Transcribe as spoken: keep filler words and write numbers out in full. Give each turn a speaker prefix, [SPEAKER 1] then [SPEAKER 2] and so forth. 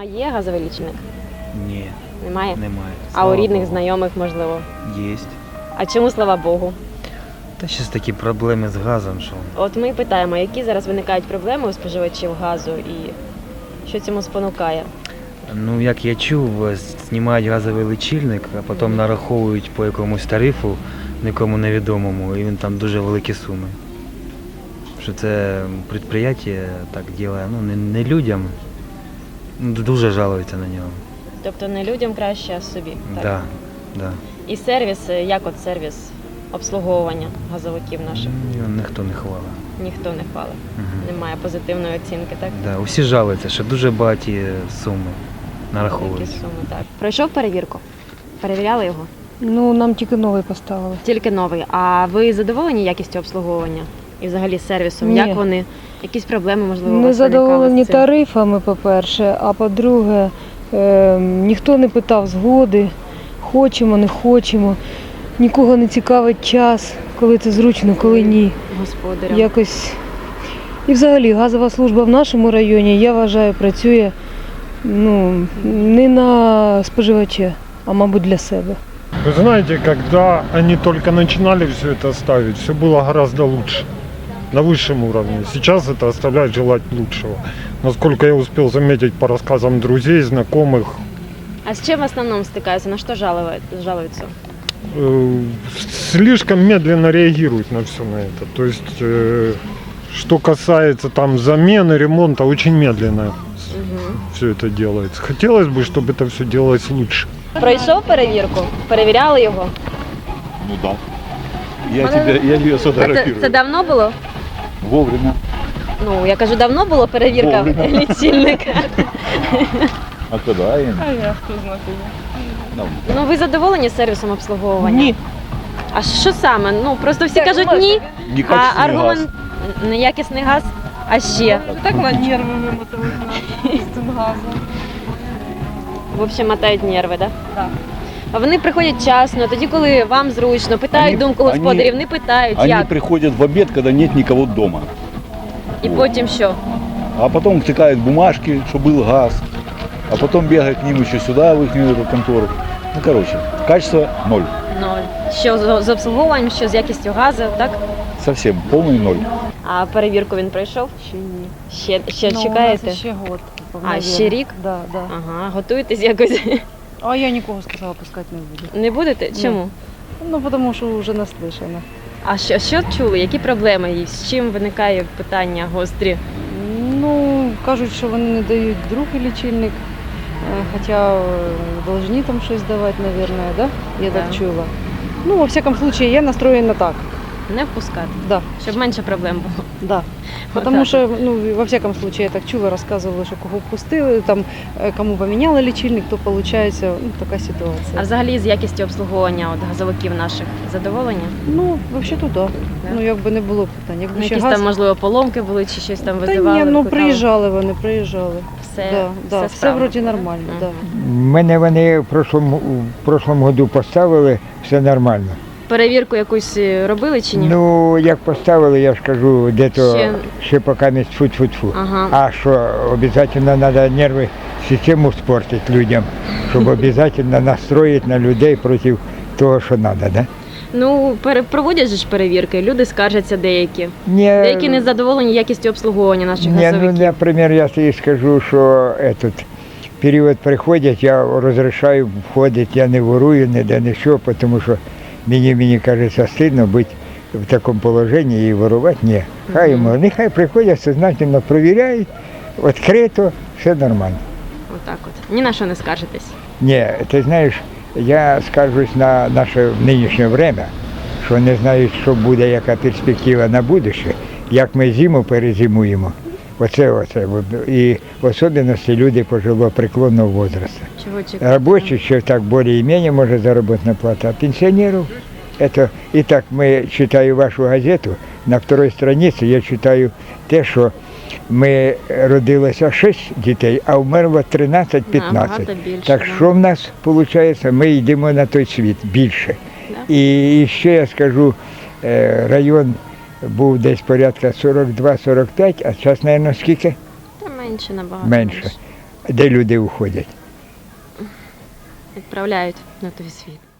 [SPEAKER 1] Вдома є газовий лічильник?
[SPEAKER 2] Ні,
[SPEAKER 1] Немає?
[SPEAKER 2] немає.
[SPEAKER 1] А
[SPEAKER 2] Слава
[SPEAKER 1] у рідних,
[SPEAKER 2] Богу.
[SPEAKER 1] знайомих, можливо?
[SPEAKER 2] Єсть.
[SPEAKER 1] А чому, слава Богу?
[SPEAKER 2] Та ще такі проблеми з газом, що
[SPEAKER 1] От ми питаємо, які зараз виникають проблеми у споживачів газу і що цьому спонукає?
[SPEAKER 2] ну як я чув, знімають газовий лічильник, а потім нараховують по якомусь тарифу, нікому невідомому, і він там дуже великі суми. Що це підприємство так робить, ну не, не людям, ну, дуже жалуються на нього.
[SPEAKER 1] Тобто не людям краще, а собі, так?
[SPEAKER 2] Да, да.
[SPEAKER 1] І сервіс, як от сервіс обслуговування газовиків наших?
[SPEAKER 2] Його ніхто не хвалить.
[SPEAKER 1] Ніхто не хвалить.
[SPEAKER 2] Угу.
[SPEAKER 1] Немає позитивної оцінки, так?
[SPEAKER 2] Да, усі жалуються, що дуже багаті суми
[SPEAKER 1] Великі
[SPEAKER 2] нараховують.
[SPEAKER 1] суми, так. Пройшов перевірку? Перевіряли його?
[SPEAKER 3] Ну, нам тільки новий поставили.
[SPEAKER 1] Тільки новий. А ви задоволені якістю обслуговування? І взагалі сервісом?
[SPEAKER 3] Ні.
[SPEAKER 1] Як вони? Якісь проблеми, можливо, у
[SPEAKER 3] Ми
[SPEAKER 1] вас виникали
[SPEAKER 3] задоволені
[SPEAKER 1] з цим?
[SPEAKER 3] тарифами, по-перше, а по-друге, е, ніхто не питав згоди, хочемо, не хочемо. Нікого не цікавить час, коли це зручно, коли ні.
[SPEAKER 1] Господарям.
[SPEAKER 3] Якось. І взагалі газова служба в нашому районі, я вважаю, працює ну, не на споживача, а мабуть для себе.
[SPEAKER 4] Вы знаете, когда они только начинали все это ставить, все было гораздо лучше, на высшем уровне. Сейчас это оставляет желать лучшего. Насколько я успел заметить по рассказам друзей, знакомых,
[SPEAKER 1] А з чим в основному стикаються? На що жалують- жалуються?
[SPEAKER 4] э, слишком медленно реагируют на все на это. То есть, э, что касается там замены, ремонта, очень медленно
[SPEAKER 1] Угу.
[SPEAKER 4] все это делается. Хотелось бы, чтобы это все делалось лучше.
[SPEAKER 1] Пройшов перевірку? Перевіряли його?
[SPEAKER 5] Ну да. Я тебя, я ее
[SPEAKER 1] А це,
[SPEAKER 5] сфотографирую.
[SPEAKER 1] це давно було?
[SPEAKER 5] Вовремя.
[SPEAKER 1] Ну, я кажу, давно було перевірка
[SPEAKER 5] Вовремя.
[SPEAKER 1] лічильника.
[SPEAKER 5] А когда им?
[SPEAKER 6] А я хто знає.
[SPEAKER 5] Ну,
[SPEAKER 1] Ну, ви задоволені сервісом обслуговування?
[SPEAKER 6] Ні.
[SPEAKER 1] А що саме? Ну, просто всі кажуть ні, а
[SPEAKER 5] некачественный
[SPEAKER 1] аргумент
[SPEAKER 5] газ.
[SPEAKER 1] неякісний газ, а ще.
[SPEAKER 6] Так на нерви вимотали з цим газом.
[SPEAKER 1] В общем, мотають нерви, так?
[SPEAKER 6] Так.
[SPEAKER 1] А вони приходять вчасно, тоді, коли вам зручно, питають
[SPEAKER 5] Вони-
[SPEAKER 1] думку господарів, не питають,
[SPEAKER 5] Они
[SPEAKER 1] як.
[SPEAKER 5] приходят в обед, когда нет никого дома.
[SPEAKER 1] І потім що?
[SPEAKER 5] А потом втыкают бумажки, что был газ. А потом бегают к ним еще сюда, в их эту контору. Ну, короче, качество ноль.
[SPEAKER 1] Ноль. Що з, з обслуговуванням, що з якістю газу, так?
[SPEAKER 5] Совсем полный ноль.
[SPEAKER 1] А перевірку він пройшов?
[SPEAKER 6] Ще ні.
[SPEAKER 1] Ще, ще
[SPEAKER 6] Ну,
[SPEAKER 1] чекаєте?
[SPEAKER 6] У нас ще год.
[SPEAKER 1] А, ще рік?
[SPEAKER 6] Да, да.
[SPEAKER 1] Ага, готуєтесь якось.
[SPEAKER 6] А я нікого сказала, пускати не буду.
[SPEAKER 1] Не будете? Чому?
[SPEAKER 6] Ну, тому що вже наслышана.
[SPEAKER 1] А що, що чули? Які проблеми є? З чим виникає питання гострі?
[SPEAKER 6] Ну, кажуть, що вони не дають другий лічильник, е, хоча е, повинні там щось давати, мабуть, да? Я
[SPEAKER 1] Да.
[SPEAKER 6] так чула. Ну, во всяком случае, я настроєна так.
[SPEAKER 1] Не впускати,
[SPEAKER 6] Да,
[SPEAKER 1] щоб менше проблем було.
[SPEAKER 6] да.
[SPEAKER 1] Отак
[SPEAKER 6] Потому
[SPEAKER 1] от.
[SPEAKER 6] що, ну, во всяком случае, я так чула, розказували, що кого впустили, там, е, кому поміняли лічильник, то виходить ну, така
[SPEAKER 1] А
[SPEAKER 6] ситуація.
[SPEAKER 1] взагалі з якістю обслуговування от, газовиків наших задоволені?
[SPEAKER 6] Ну, взагалі-то да.
[SPEAKER 1] Да?
[SPEAKER 6] Ну, якби не було питань. Якби
[SPEAKER 1] Ну,
[SPEAKER 6] ще
[SPEAKER 1] якісь
[SPEAKER 6] газ...
[SPEAKER 1] там, можливо, поломки були чи щось там
[SPEAKER 6] Та
[SPEAKER 1] визивали?
[SPEAKER 6] ні, ну
[SPEAKER 1] викликали?
[SPEAKER 6] приїжджали вони, приїжджали.
[SPEAKER 1] Все,
[SPEAKER 6] Да, да,
[SPEAKER 1] все,
[SPEAKER 6] все
[SPEAKER 1] справно.
[SPEAKER 6] вроді нормально,
[SPEAKER 1] Мгм.
[SPEAKER 6] да.
[SPEAKER 7] Мене вони в прошлому, в прошлому году поставили, все нормально.
[SPEAKER 1] Перевірку якусь е, робили чи ні?
[SPEAKER 7] Ну, як поставили, я ж кажу, де-то
[SPEAKER 1] Ще-
[SPEAKER 7] ще, поки не тьфу-тьфу-тьфу.
[SPEAKER 1] Ага.
[SPEAKER 7] А що, обов'язково треба нерви, систему спортити людям, щоб обов'язково настроїти на людей проти того, що треба, да?
[SPEAKER 1] Ну, пере- проводять же ж перевірки, люди скаржаться деякі.
[SPEAKER 7] Ні,
[SPEAKER 1] Деякі не задоволені якістю обслуговування наших
[SPEAKER 7] ні, ну,
[SPEAKER 1] газовиків.
[SPEAKER 7] наприклад, я тобі скажу, що этот, період приходять, я розрішаю входити, я не ворую, ніде нічого, тому що мені, мені кажеться, стидно бути в такому положенні і ворувати. Ні. Хай йому, нехай приходять, сознательно провіряють, відкрито, все нормально.
[SPEAKER 1] Отак от. Ні на що не скаржитесь.
[SPEAKER 7] Ні, ти знаєш, я скаржусь на наше нинішнє время, що не знають, що буде, яка перспектива на будущее, як ми зиму перезимуємо. Оце, оце. І в особливості люди пожилого преклонного возрасту.
[SPEAKER 1] Чого чекати?
[SPEAKER 7] Рабочих ще так більш-менш може заробітна плата, а пенсіонерів это... І так, ми читаю вашу газету, на второй страниці я читаю те, що ми родилося шість дітей, а вмерло тринадцять-п'ятнадцять.
[SPEAKER 1] Набагато більше,
[SPEAKER 7] Так
[SPEAKER 1] да.
[SPEAKER 7] що в нас виходить, ми йдемо на той світ більше.
[SPEAKER 1] Да.
[SPEAKER 7] І ще я скажу, е, район був десь порядка сорок два - сорок п'ять, а зараз, мабуть, скільки?
[SPEAKER 1] Та менше набагато.
[SPEAKER 7] Менше. де люди уходять.
[SPEAKER 1] Відправляють на той світ.